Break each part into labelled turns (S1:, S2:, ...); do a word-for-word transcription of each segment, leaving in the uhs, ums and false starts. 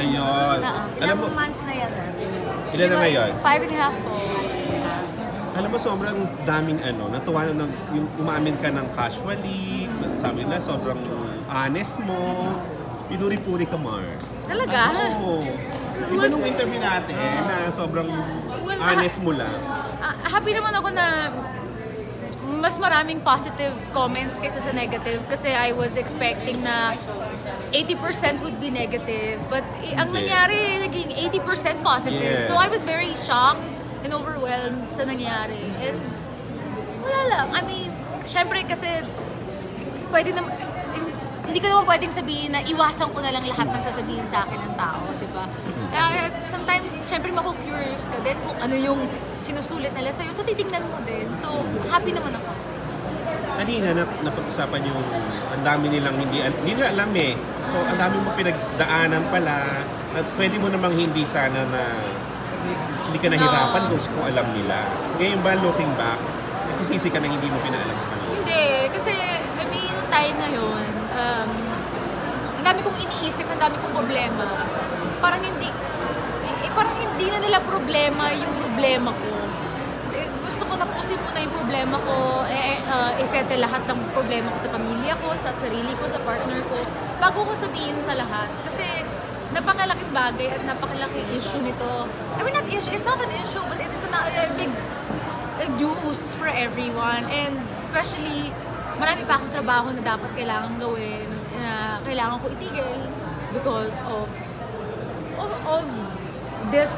S1: Ayun.
S2: Oo.
S1: Alam mo,
S3: Ilang months na yan ah?
S1: ilan na ngayon?
S2: Five and a half po.
S1: Alam mo, sobrang daming ano, natuwa na nag, yung umamin ka ng casually, sabi na sobrang honest mo, pinuri-puri ka, Mars.
S2: Talaga?
S1: Oo. Iba nung interview natin na sobrang
S2: Well,
S1: honest mo lang.
S2: Ah, happy naman ako na mas maraming positive comments kaysa sa negative kasi I was expecting na eighty percent would be negative but eh, ang
S1: Hindi.
S2: nangyari naging eighty percent positive.
S1: Yes.
S2: So I was very shocked and overwhelmed sa nangyari. And wala lang. I mean, syempre kasi pwede na hindi ko naman pwedeng sabihin na iwasan ko na lang lahat ng sasabihin sa akin ng tao, di ba? Kaya sometimes, syempre mako-curious ka din kung ano yung sinusulit nila sa'yo. So, titignan mo din. So, happy naman ako.
S1: Kanina, na, napag-usapan yung ang dami nilang hindi, hindi nila alam eh. So, ang dami mo pinagdaanan pala na pwede mo namang hindi sana na hindi ka nahirapan
S2: No.
S1: kung, kung alam nila. Ngayon ba, looking back, nagsisisi ka na hindi mo pinaalam sa kanila?
S2: Hindi, kasi, I mean, yung time na yun, um, ang dami kong iniisip, ang dami kong problema. Parang hindi, eh, parang hindi na nila problema yung problema ko. Eh, gusto ko tapusin muna yung problema ko, eh, uh, isettle lahat ng problema ko sa pamilya ko, sa sarili ko, sa partner ko, bago ko sabihin sa lahat. Kasi, napakalaking bagay at napakalaking issue nito. I mean, not issue, it's not an issue, but it is a, a big a news for everyone. And especially, marami pa akong trabaho na dapat kailangan gawin, na kailangan ko itigil because of of, of this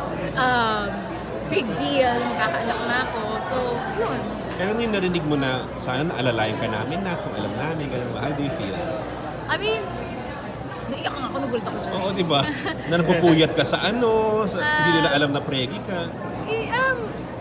S2: um, big deal na magkakaanak na ako. So, yun.
S1: Pero yung narinig mo na sana naalalayan ka namin na kung alam namin, ganun, how do you feel?
S2: I mean, naiyak nga ako, nagulat ako dyan.
S1: Oo, di ba? Na napupuyat ka sa ano, sa, hindi nila alam na pregi ka.
S2: Eh, um,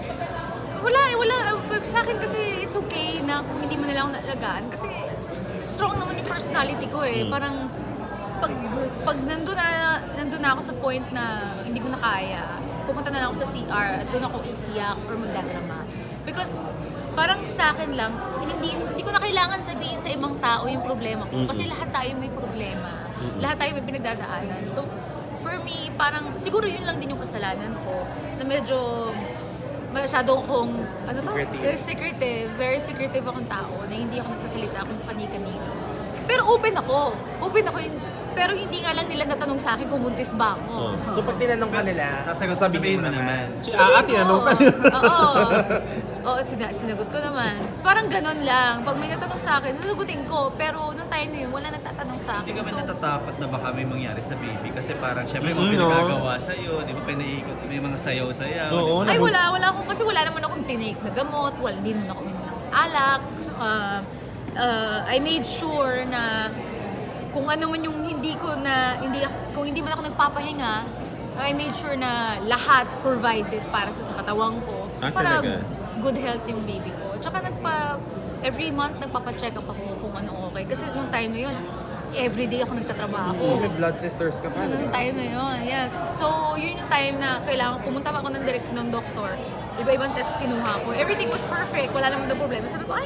S2: wala, eh, wala. Uh, sa akin kasi it's okay na kung hindi mo nila ako nalagaan. Kasi strong naman yung personality ko eh.
S1: Mm.
S2: Parang pag, pag nandun na, nandun na ako sa point na hindi ko na kaya, pupunta na lang ako sa C R at doon ako iiyak or magdadrama. Because parang sa akin lang, hindi, hindi ko na kailangan sabihin sa ibang tao yung problema ko. Kasi lahat tayo may problema. Lahat tayo may pinagdadaanan. So, for me, parang siguro yun lang din yung kasalanan ko na medyo masyado akong, ano to?
S3: Secretive.
S2: Secretive. Very secretive akong tao na hindi ako nagsasalita kung kani-kanino. Pero open ako. Open ako. Pero hindi nga lang nila natanong sa akin kung buntis ba ako.
S1: Oh.
S3: So pag tinanong ka nila,
S4: Sasagot-
S3: sasabihin mo
S4: sabihin mo
S3: naman.
S1: Si
S2: Sabihin
S1: Aa,
S2: ko.
S1: tinanong ka.
S2: Oo. Oo, sina- sinagot ko naman. Parang ganun lang. Pag may nagtanong sa akin, sasagutin ko. Pero nung time na yun, wala nagtatanong sa
S4: Hindi
S2: akin.
S4: ka man
S2: So,
S4: natatakot na baka may mangyari sa baby kasi parang syempre may
S1: Mm,
S4: mga
S1: no?
S4: pinagagawa sa'yo, di ba pinaiikot, may mga sayaw-sayaw.
S1: Oo,
S4: di ba?
S2: ay
S1: nabu-
S2: wala, wala akong, kasi wala naman akong tinake na gamot, wala, hindi naman ako uminom ng alak. So, uh, uh, I made sure na kung ano man yung hindi ko na, hindi, kung hindi man ako nagpapahinga, I made sure na lahat provided para sa, sa katawan ko.
S1: Ah,
S2: para
S1: talaga?
S2: good health yung baby ko. Tsaka nagpa, every month nagpapacheck up ako kung ano okay. Kasi nung time na yun, everyday ako nagtatrabaho.
S3: Oh, may blood sisters ka pa,
S2: Nung
S3: diba?
S2: time na yun, yes. So, yun yung time na kailangan, pumunta pa ako ng direct ng doktor. Iba-ibang test kinuha ko. Everything was perfect. Wala naman daw problema. Sabi ko, ay,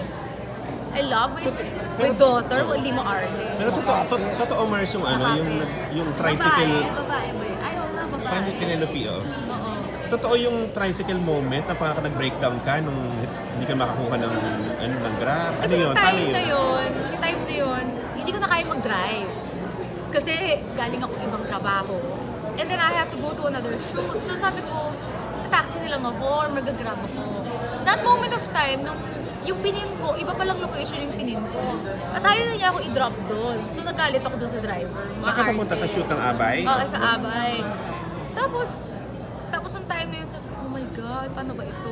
S2: I love my, my daughter. Well, hindi mo arte.
S1: Pero totoo, to- totoo Mars yung ano, yung, yung tricycle,
S3: babae ba yun? Ay, oo nga, babae.
S1: paano Penelope, oh?
S2: Oo.
S1: Totoo yung tricycle moment na parang nag-breakdown ka nung hindi ka makakuha ng, ano, ng grab. Ano
S2: Kasi
S1: yun?
S2: yung
S1: Paano
S2: time
S1: yun?
S2: na yun, yung time na yun, hindi ko na kaya mag-drive. Kasi galing ako ibang trabaho. And then I have to go to another shoot. So sabi ko, taxi na lang ako or mag-grab ako. That moment of time, nung yung pinin ko, iba palang location yung pinin ko. At ayaw na niya ako i-drop doon. So nagalit ako doon sa driver.
S1: Saan ka pumunta sa shoot ng Abay?
S2: Oo, sa Abay. Tapos, tapos yung time na yun, sabi ko, oh my God, paano ba ito?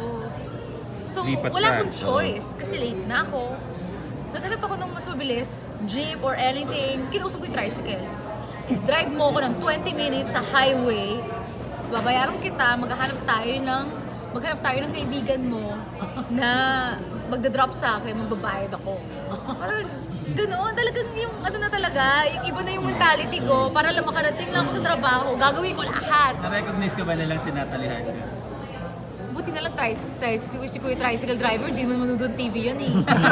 S2: So,
S1: Lipat
S2: wala
S1: ka.
S2: akong choice kasi late na ako. Naghanap ako ng mas mabilis, jeep or anything. Kinausap ko yung tricycle. I-drive mo ako ng twenty minutes sa highway. Babayaran kita, maghahanap tayo ng maghanap tayo ng kaibigan mo na magda-drop sa akin, magbabayad ako. Parang ganoon, talagang yung ano na talaga, yung iba na yung mentality ko, para lang makarating lang ako sa trabaho, gagawin ko lahat.
S4: Na-recognize ka ba nilang sinatalihan ka?
S2: buti na lang tricycle, tricycle, si Kuya Tricycle Driver, di man manood ng T V yan eh.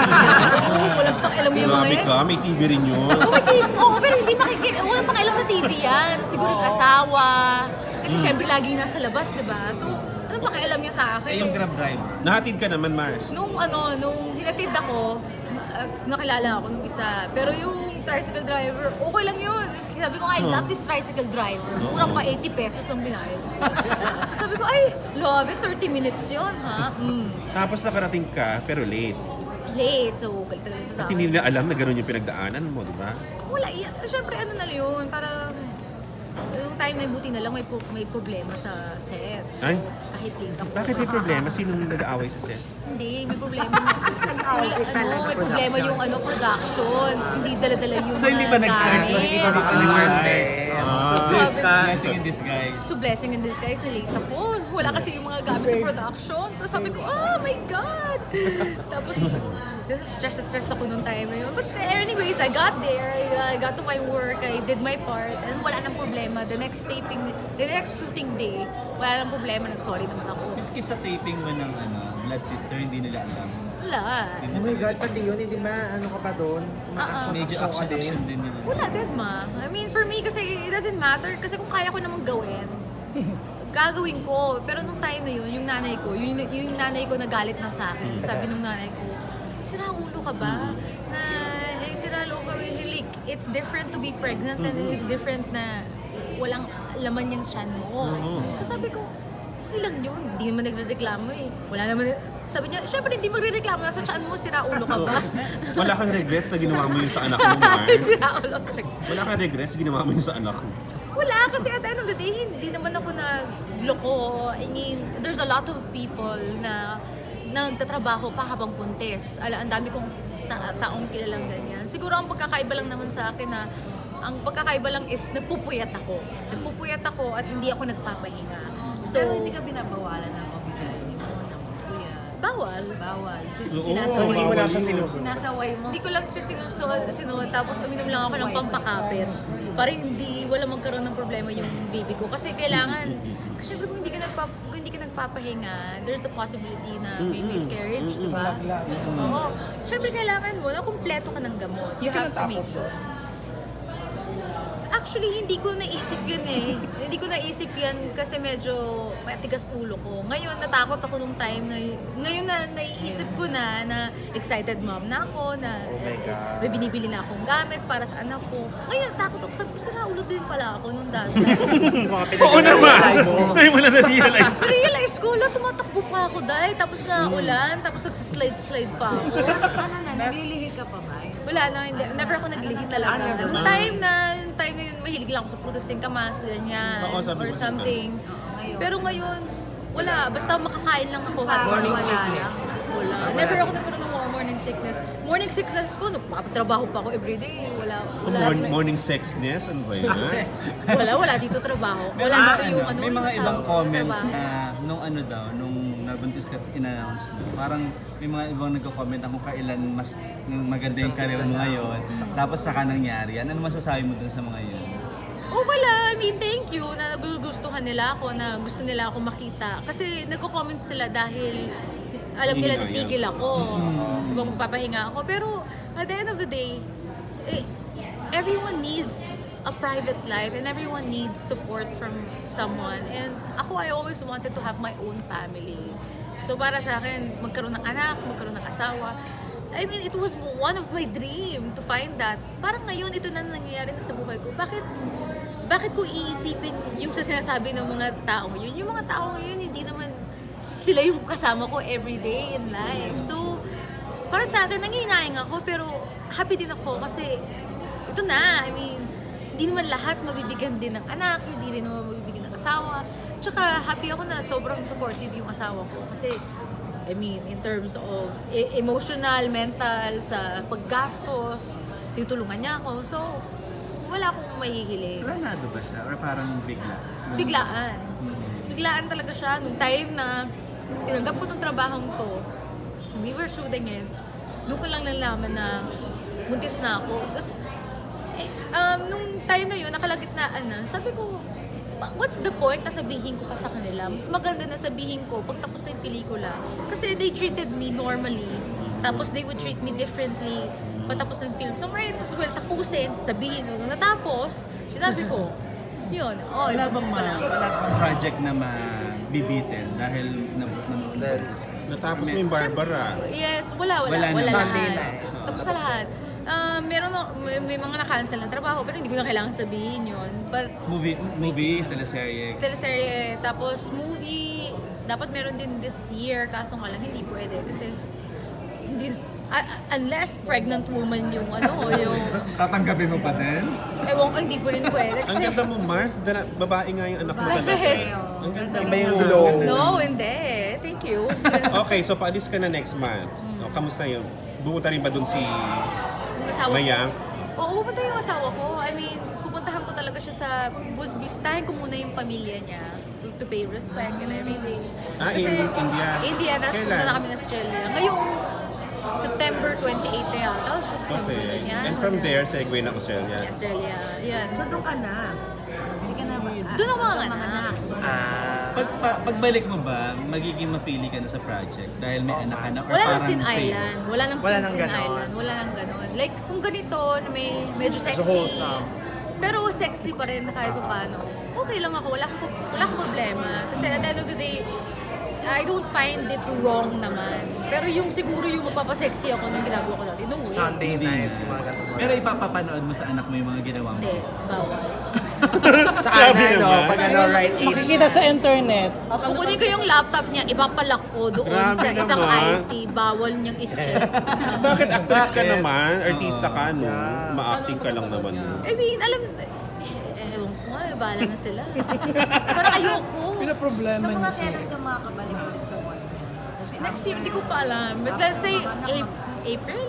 S2: Oo, walang pang alam yung mga
S1: Grabe
S2: yan.
S1: ka, may T V rin yun.
S2: Oo, may T V, oo, pero hindi makikita, walang pang alam sa T V yan. Siguro yung asawa, kasi syempre lagi nasa labas, di ba? So, anong pakialam niya sa akin?
S4: Eh, yung Grab driver.
S1: Nahatid ka naman, Mars.
S2: Nung ano, nung hinatid ako, na- uh, nakilala ako nung isa. Pero yung tricycle driver, okay lang yun. Sabi ko, I love this tricycle driver. Murang pa eighty pesos ang binayad. So sabi ko, ay, love it, thirty minutes yun, ha? Mm.
S1: Tapos nakarating ka, pero late.
S2: Late, so galit talaga siya sa
S1: At hindi
S2: akin.
S1: nila alam na gano'n yung pinagdaanan mo, di ba?
S2: Wala, yan. Siyempre, ano na yun, parang yung time na buti na lang may, pro- may problema sa set. So,
S1: Ay?
S2: kahit late ako.
S1: Bakit may problema? Sino nag-aaway sa set?
S2: Hindi, may problema. Wala, ano, may problema yung ano, production. Hindi dala-dala yung
S4: So, hindi ba
S2: mga
S4: nag-start? So,
S2: gamit.
S4: hindi ba nag-start?
S2: So,
S4: This,
S2: sabi-
S4: blessing in disguise.
S2: So, blessing in disguise, na-late ako. Wala kasi yung mga gamit sa production. Tapos sabi ko, oh my God! Tapos, stress na stress ako nung time na yun. But anyways, I got there. I got to my work. I did my part. And wala nang problema. The next taping, the next shooting day, wala nang problema. Nag-sorry naman ako.
S4: Miski sa taping mo ng ano, Blood Sister, hindi nila alam.
S2: Wala.
S3: Oh my God, pati yun, hindi ba ano ka pa doon?
S2: Ah, ah.
S4: Medyo
S3: Action ka
S4: action, action din nila.
S2: Wala din, ma. I mean, for me, kasi it doesn't matter. Kasi kung kaya ko namang gawin, gagawin ko. Pero nung time na yun, yung nanay ko, yung, yung nanay ko nagalit na sa akin. Sabi nung nanay ko, sira ulo ka ba? Na, eh, sira ulo ka. Like, it's different to be pregnant and it's different na walang laman yung tiyan mo. Tapos sabi ko, okay lang yun. Hindi naman nagre-reklamo eh. Wala naman, sabi niya, syempre hindi magre-reklamo. Nasa tiyan mo, sira ulo ka ba?
S1: Wala kang regrets na ginawa mo yun sa anak mo, Mars?
S2: sira ulo talaga.
S1: Wala kang regrets na ginawa mo yun sa anak mo?
S2: Wala, kasi at the end of the day, hindi naman ako nagloko. I mean, there's a lot of people na nagtatrabaho pa habang puntes. Ala, ang dami kong ta- taong kilalang ganyan. Siguro ang pagkakaiba lang naman sa akin na ang pagkakaiba lang is nagpupuyat ako. Nagpupuyat ako at hindi ako nagpapahinga. So,
S5: Pero hindi ka binabawalan ng pagkain mo ng kuya.
S2: bawal.
S5: Bawal. Sin-
S1: Oo,
S5: sinasaway
S3: Hindi mo na siya
S1: yun.
S3: sinusunod.
S5: Sinasaway mo.
S2: Hindi ko lang sir sinusuot, sinuot, tapos uminom lang ako ng pampakapit para hindi, wala magkaroon ng problema yung baby ko. Kasi kailangan, kasi syempre kung hindi ka, nagpa, kung hindi ka nagpapahinga, there's the possibility na may miscarriage, di ba? Oo. Syempre kailangan mo na kumpleto ka ng gamot. You have to make sure. Actually, hindi ko naisip yun eh. Hindi ko naisip yan kasi medyo matigas ulo ko. Ngayon, natakot ako nung time na, ngayon na naiisip ko na, na excited mom na ako, na
S3: Oh my God.
S2: may binibili na akong gamit para sa anak ko. Ngayon, natakot ako. Sabi ko, sira ulo din pala ako nung dati.
S3: Sa mga
S1: Oo naman!
S3: pinag-realize mo.
S1: Hindi mo na na-realize.
S2: Realize ko, la, tumatakbo pa ako dahil. Tapos na ulan, tapos nagsislide-slide pa ako.
S5: Ano na, naglilihi ka pa ba?
S2: Wala na, hindi. Never ako naglihi talaga.
S3: Ah, never.
S2: Nung time na, nung time na yun, mahilig lang ako sa producing kamas, ganyan,
S1: Oo, sabi
S2: or
S1: mo,
S2: something.
S5: ngayon.
S2: Pero ngayon, wala. Basta makakain lang ako. habang
S3: Morning
S2: wala
S3: sickness.
S2: lang. Wala. Never ako nagkaroon ng morning sickness. Morning sickness ko, nagpapatrabaho pa ako everyday. Wala. Wala.
S1: Morning, morning sexness? Ano ba yun?
S2: Wala, wala dito trabaho. Wala
S4: Ah,
S2: dito yung ano.
S4: may mga
S2: sa-
S4: ibang comment
S2: trabaho.
S4: na nung ano daw, nung nabuntis ka in-announce mo, parang may mga ibang nagko-comment na kung kailan mas maganda yung career mo ngayon, tapos saka nangyari yan. Ano masasabi mo dun sa mga yun?
S2: Oh, wala. I mean, thank you na nagugustuhan nila ako, na gusto nila ako makita. Kasi nagko-comment sila dahil alam nila
S1: Hihina,
S2: titigil ako. Diba, magpapahinga ako. Pero at the end of the day, eh, everyone needs a private life and everyone needs support from someone. And ako, I always wanted to have my own family. So para sa akin, magkaroon ng anak, magkaroon ng asawa. I mean, it was one of my dream to find that. Parang ngayon, ito na nangyayari na sa buhay ko. Bakit bakit ko iisipin yung sa sinasabi ng mga tao ngayon? Yung mga tao ngayon, hindi naman sila yung kasama ko every day in life. So, para sa akin, nangihinayang ako, pero happy din ako kasi ito na. I mean, hindi naman lahat mabibigyan din ng anak, hindi rin naman mabibigyan ng asawa. Tsaka happy ako na sobrang supportive yung asawa ko kasi I mean, in terms of e- emotional, mental, sa paggastos, tutulungan niya ako. So, wala akong mahihiling.
S4: Planado ba siya? Or parang bigla?
S2: Biglaan.
S4: Hmm.
S2: Biglaan talaga siya. Nung time na tinanggap ko ng trabahong to, we were shooting it, doon ko lang nalaman na buntis na ako. Tapos, eh, um, nung time na yun, nakalagitnaan na, sabi ko, what's the point na sabihin ko pa sa kanila? Mas maganda na sabihin ko pag tapos na yung pelikula. Kasi they treated me normally. Tapos they would treat me differently patapos ng film. So might as well tapusin, sabihin nung natapos, sinabi ko, yun, oh,
S4: Wala
S2: buntis
S4: bang,
S2: pa
S4: ma-
S2: lang.
S4: wala bang project na mabibitin dahil nabuntis ka?
S1: Natapos mo yung Barbara.
S2: Yes, wala, wala,
S4: Wala
S2: wala,
S4: na.
S3: Monday
S2: lahat.
S3: na eh.
S2: Tapos sa lahat. Ah, meron, na- may, may mga na-cancel na trabaho, pero hindi ko na kailangan sabihin yun. But,
S4: Movie, movie, teleserye.
S2: teleserye, tapos movie, dapat meron din this year, kaso nga lang hindi pwede kasi hindi, ah, unless pregnant woman yung ano, yung,
S4: Tatanggapin mo pa din?
S2: ewan ko, hindi ko rin pwede
S1: Ang
S2: kasi,
S1: ganda mo, Mars. Dana, babae nga yung anak mo
S2: Bakit?
S1: talaga. Ang ganda mo.
S3: Iba yung glow.
S2: no, hindi, thank you.
S1: Okay, so paalis ka na next month. O, kamusta yun? Bumunta rin ba dun si
S2: Yung asawa ko,
S1: Mayang?
S2: oo, pupunta yung asawa ko. I mean, pupuntahan ko talaga siya sa, bus- bisitahin ko muna yung pamilya niya to pay respect and everything.
S1: Ah, in India?
S2: India, tapos
S1: Kailan?
S2: pumunta na kami ng Australia. Ngayong September twenty-eighth na yata. Tapos September
S1: Okay.
S2: ganyan.
S1: And from
S2: Ganyan.
S1: there, segue ng Australia.
S2: Australia, yan.
S5: So doon ka na. Hindi ka na ba?
S2: Doon ako mga anak.
S3: Ah,
S4: Pag, pa, pagbalik mo ba, magiging mapili ka na sa project dahil may anak ka na or
S2: Wala nang
S4: parang
S2: Sin
S4: sa'yo?
S2: Island. Wala nang
S3: Wala
S2: Sin
S3: nang
S2: Sin
S3: ganon.
S2: Island. Wala nang ganon. Like, kung ganito, na may medyo
S3: So
S2: sexy.
S3: wholesome.
S2: Pero sexy pa rin na kahit pa paano. Okay lang ako. Wala akong, wala akong problema. Kasi at the end of the day, I don't find it wrong naman. Pero yung siguro yung magpapasexy ako nung ginagawa ko dati. No way.
S3: Sunday
S4: Hindi
S3: night,
S4: na.
S3: mga ganun.
S4: Pero ipapapanood mo sa anak mo yung mga ginawa mo.
S2: Hindi. Bawal.
S3: Tsaka
S1: Grabe
S3: na, no,
S1: naman.
S3: pag ano, right age.
S6: Makikita sa internet.
S2: Kukunin ko yung laptop niya, ipapalak ko doon
S1: Grabe
S2: sa isang
S1: naman.
S2: I T. Bawal niyang i-check.
S1: Bakit actress ka
S4: Bakit?
S1: naman? Artista ka, no?
S3: Yeah.
S1: Ma-acting ka lang naman. No?
S2: I mean, alam, eh, ewan ko nga, eh, bahala na sila. Pero ayoko.
S5: So
S6: Pinaproblema
S5: mga
S6: niya siya.
S5: kailan ka makakabalik ulit sa work niya? Kasi
S2: Next year, hindi ko pa alam. But let's say, Ap- April.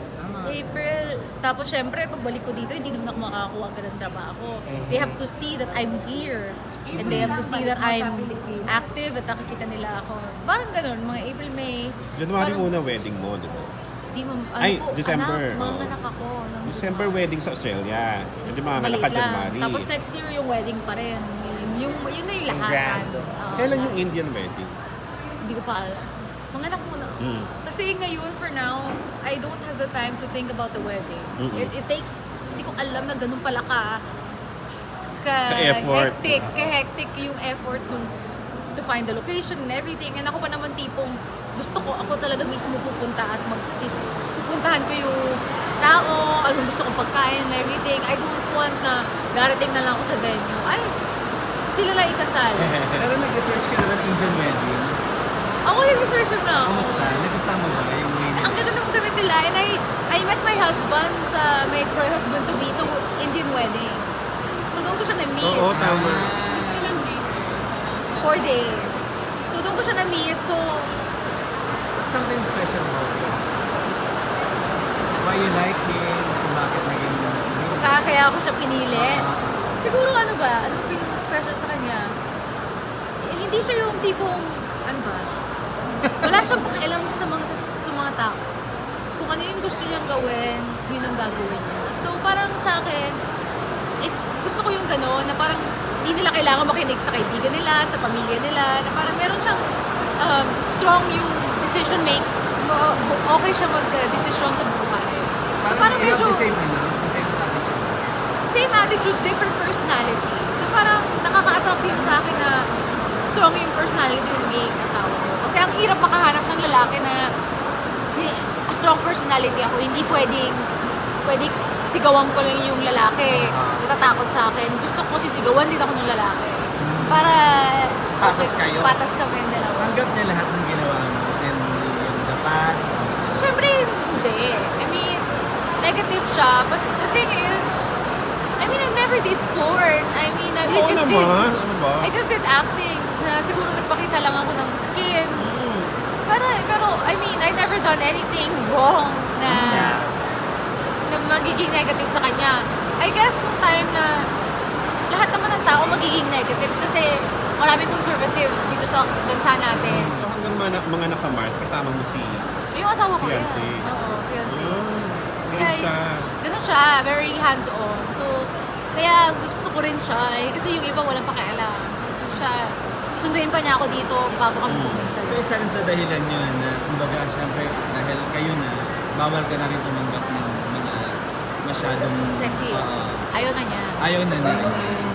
S2: April. Tapos syempre, pagbalik ko dito, hindi naman ako makakakuha agad ng trabaho. They have to see that I'm here. And they have to see that I'm active at nakikita nila ako. Parang ganun, mga April, May.
S1: January
S2: Parang-
S1: una wedding mo, di ba?
S2: Di mo, ano
S1: Ay,
S2: po,
S1: December.
S2: Anak, mga
S1: Oo.
S2: anak ako. Ng,
S1: December wedding sa Australia. Hindi mga
S2: maliit
S1: anak ka
S2: lang.
S1: January.
S2: Tapos next year, yung wedding pa rin. Yung, yung, yun na yung lahatan.
S3: Grand.
S2: Oo.
S1: Kailan yung Indian wedding?
S2: Hindi ko pa alam. Mga anak muna.
S1: Mm.
S2: Kasi ngayon, for now, I don't have the time to think about the wedding.
S1: Mm-mm.
S2: It, it takes, hindi ko alam na ganun pala ka, ka,
S1: Ka-effort.
S2: hectic, ka-hectic yung effort nung to find the location and everything. And ako pa naman tipong, gusto ko ako talaga mismo pupunta at mag pupuntahan ko yung tao, anong gusto kong pagkain and everything. I don't want na darating na lang ako sa venue. Ay, sila lang ikasal.
S4: Pero nag-research ka na ng Indian wedding.
S2: Ako yung research na ako.
S4: Kamusta? Nagustuhan mo ba yung wedding?
S2: Ang ganda ng gamit nila. And I, I met my husband sa, my husband to be, so Indian wedding. So doon ko siya na-meet.
S1: Oo, tama.
S2: Four days. So doon ko siya na-meet. So,
S4: Something special about it. Why you like him? Kung bakit naging...
S2: kaya, kaya ako siya pinili. Siguro ano ba? Ano ba yung special sa kanya? Eh, hindi siya yung tipong, ano ba? Wala siyang pakialam sa mga, sa, sa mga tao. Kung ano yung gusto niyang gawin, yun ang gagawin niya. So parang sa akin, eh, gusto ko yung gano'n, na parang hindi nila kailangan makinig sa kaibigan nila, sa pamilya nila, na parang meron siyang um, strong yung decision make, mo- okay siya mag-desisyon sa buhay. So parang
S4: you have
S2: medyo
S4: the same, ano? The same attitude.
S2: same attitude, different personality. So parang nakaka-attract yun sa akin na strong yung personality na magiging asawa ko. Kasi ang hirap makahanap ng lalaki na eh, strong personality ako. Hindi pwedeng, pwedeng sigawan ko lang yung lalaki. Natatakot sa akin. Gusto ko sisigawan din ako ng lalaki. Para
S3: Patas kayo.
S2: Patas kami yung dalawa.
S4: Tanggap niya lahat ng ginawa mo and yung the past.
S2: Siyempre, hindi. I mean, negative siya. But the thing is, I mean, I never did porn. I mean, I, I
S1: Oo
S2: just
S1: naman.
S2: did,
S1: Ano ba?
S2: I just did acting. Na siguro nagpakita lang ako ng skin.
S1: Mm.
S2: Pero, pero, I mean, I never done anything wrong na, na magiging negative sa kanya. I guess, nung time na lahat naman ng tao magiging negative kasi maraming conservative dito sa bansa natin.
S1: So hanggang mga, mga nakamart, kasama mo si...
S2: Yung asawa ko yan.
S1: Fiancé.
S2: Oo, fiancé.
S1: Oh,
S2: Kaya,
S1: ganun siya.
S2: ganun siya, very hands-on. So, Kaya gusto ko rin siya eh, kasi yung iba walang pakialam. Siya, susunduin pa niya ako dito bago kami pumunta.
S4: So isa rin sa dahilan yun na, kumbaga, syempre, dahil kayo na, bawal ka na rin tumanggap ng mga masyadong...
S2: Sexy.
S4: Oo.
S2: Ayaw na niya.
S4: ayaw na niya.